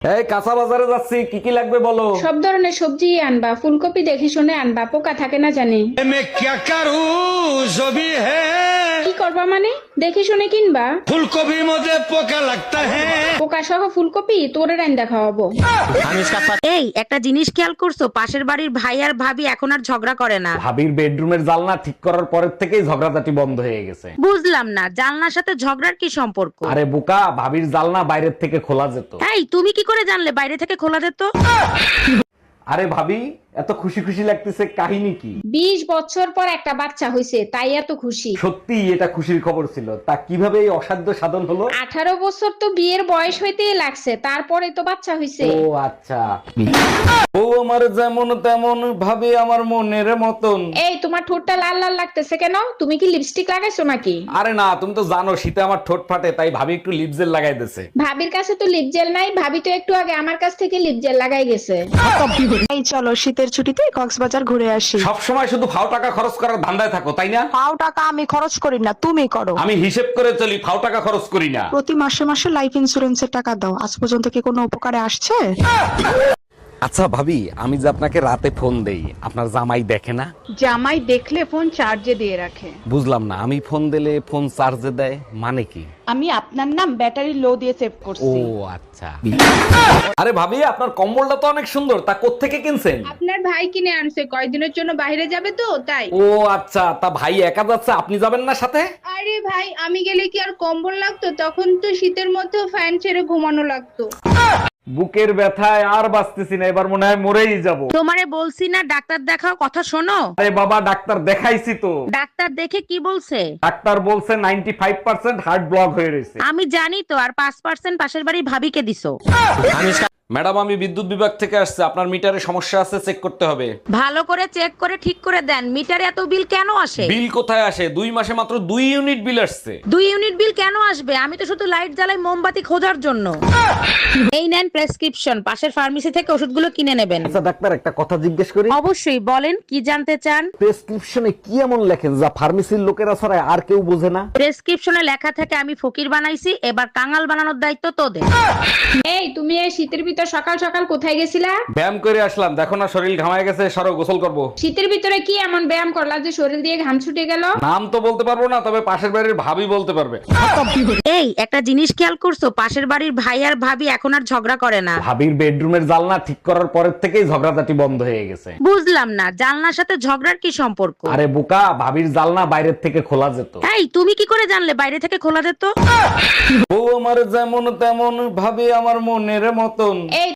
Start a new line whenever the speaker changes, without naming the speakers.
এই কাঁচা বাজারে যাচ্ছি, কি কি লাগবে বলো।
সব ধরনের সবজি আনবা, ফুলকপি দেখে শুনে আনবা, পোকা থাকে না জানি।
मैं क्या करूं जो भी है
কি করবা মানে? দেখে শুনে কিনবা।
फूलगोभी मुझे पोका लगता है।
পোকা সহ ফুলকপি তোরে রান্দা খাওয়াবো।
এই একটা জিনিস খেয়াল করছো, পাশের বাড়ির ভাই আর ভাবি এখন আর ঝগড়া করে না।
ভাবির বেডরুমের জানলা ঠিক করার পরের থেকেই ঝগড়াঝাটি বন্ধ হয়ে গেছে।
বুঝলাম না, জানলার সাথে ঝগড়ার কি সম্পর্ক?
আরে বোকা, ভাবির জানলা বাইরের থেকে খোলা যেত।
এই তুমি কি করে জানলে বাইরে থেকে খোলা যেত?
আরে ভাবি, এত খুশি খুশি লাগতেছে, কাহিনী কি?
20 বছর পর একটা বাচ্চা হইছে, তাই এত খুশি।
সত্যি এটা খুশির খবর ছিল। তা কিভাবে এই অসাধ্য সাধন হলো?
18 বছর তো বিয়ের বয়স হইতেই লাগছে, তারপরে তো বাচ্চা হইছে।
ও আচ্ছা। ও আমার যেমন তেমন, ভাবে আমার মনের মতন।
এই তোমার ঠোঁটটা লাল লাল লাগতেছে কেন? তুমি কি লিপস্টিক লাগাইছো নাকি?
আরে না, তুমি তো জানো শীতে আমার ঠোঁট ফাটে, তাই ভাবি একটু লিপ জেল লাগাই দিয়েছে।
ভাবির কাছে তো লিপ জেল নাই, ভাবি তো একটু আগে আমার কাছ থেকে লিপ জেল লাগাই গেছে।
এই চলো শীতের ছুটিতে কক্সবাজার ঘুরে আসি।
সব সময় শুধু ফাও টাকা খরচ করার ধান্দায় থাকো, তাই না?
পাও টাকা আমি খরচ করি না, তুমি করো।
আমি হিসেব করে চলি, ফাও টাকা খরচ করি না।
প্রতি মাসে মাসে লাইফ ইন্সুরেন্সের টাকা দাও, আজ পর্যন্ত কি কোনো উপকারে আসছে?
আচ্ছা ভাবি, আমি যে আপনাকে রাতে ফোন দেই, আপনার জামাই দেখে না?
জামাই দেখলে ফোন চার্জে দিয়ে রাখে।
বুঝলাম না, আমি ফোন দিলে ফোন চার্জে দেয় মানে কি?
আমি আপনার নাম ব্যাটারি লো দিয়ে সেভ
ও
করছি।
আচ্ছা। আরে ভাবি, আপনার কম্বলটা তো অনেক সুন্দর, তা কোত্থেকে কিনছেন?
আপনার ভাই কিনে আনছে, কয়দিনের জন্য বাইরে যাবে তো তাই।
ও আচ্ছা, তা ভাই একা যাচ্ছে, আপনি যাবেন না সাথে?
আরে ভাই, আমি গেলে কি আর কম্বল লাগতো? তখন তো শীতের মধ্যেও ফ্যান ছেড়ে ঘুমানো লাগতো।
বুকের ব্যথায় আর বাঁচতেছি না, এবার মনে হয় মরেই যাব।
তোমারে বলছি না ডাক্তার দেখাও, কথা শোনো।
আরে বাবা, ডাক্তার দেখাইছি তো।
ডাক্তার দেখে কি বলছে?
ডাক্তার বলছে 95% হার্ট ব্লক হয়ে রয়েছে।
আমি জানি তো, আর 5% পাশের বাড়ি ভাবিকে দিছো।
ম্যাডাম, আমি বিদ্যুৎ বিভাগ থেকে আসছে, আপনার মিটারে সমস্যা আছে, চেক করতে হবে।
ভালো করে চেক করে ঠিক করে দেন। মিটারে এত বিল কেন আসে?
বিল কোথায় আসে? 2 মাসে মাত্র 2 ইউনিট বিল আসছে।
2 ইউনিট বিল কেন আসবে? আমি তো শুধু লাইট জ্বালাই মোমবাতি খোঁজার জন্য। এই নেন প্রেসক্রিপশন, পাশের ফার্মেসি থেকে ওষুধগুলো কিনে নেবেন।
আচ্ছা ডাক্তার, একটা কথা জিজ্ঞেস করি।
অবশ্যই বলেন, কি জানতে চান?
প্রেসক্রিপশনে কি এমন লেখেন যা ফার্মেসির লোকেরা ছড়ায় আর কেউ বোঝে না?
প্রেসক্রিপশনে লেখা থাকে আমি ফকির বানাইছি, এবার কাঙাল বানানোর দায়িত্ব তোদের।
এই তুমি এই শীতের ভিতর সকাল সকাল কোথায় গেছিলা?
ব্যায়াম করে আসলাম, দেখো না শরীর ঘামায় গেছে, সরো গোসল করব।
শীতের ভিতরে কি এমন ব্যায়াম করলা যে শরীর দিয়ে ঘাম ছুটে গেল?
নাম তো বলতে পারবো না, তবে পাশের বাড়ির ভাবি বলতে পারবে।
এই একটা জিনিস খেয়াল করছো, পাশের বাড়ির ভাই আর ভাবি এখন আর ঝগড়া করে না।
ভাবির বেডরুমের জানলা ঠিক করার পরের থেকেই ঝগড়াঝাটি বন্ধ হয়ে গেছে।
বুঝলাম না, জানলার সাথে ঝগড়ার কি সম্পর্ক?
আরে বোকা, ভাবির জানলা বাইরের থেকে খোলা যেত।
এই তুমি কি করে জানলে বাইরে থেকে খোলা যেত?
ও আমার যেমন তেমন, ভাবে আমার মনের মতন।
এই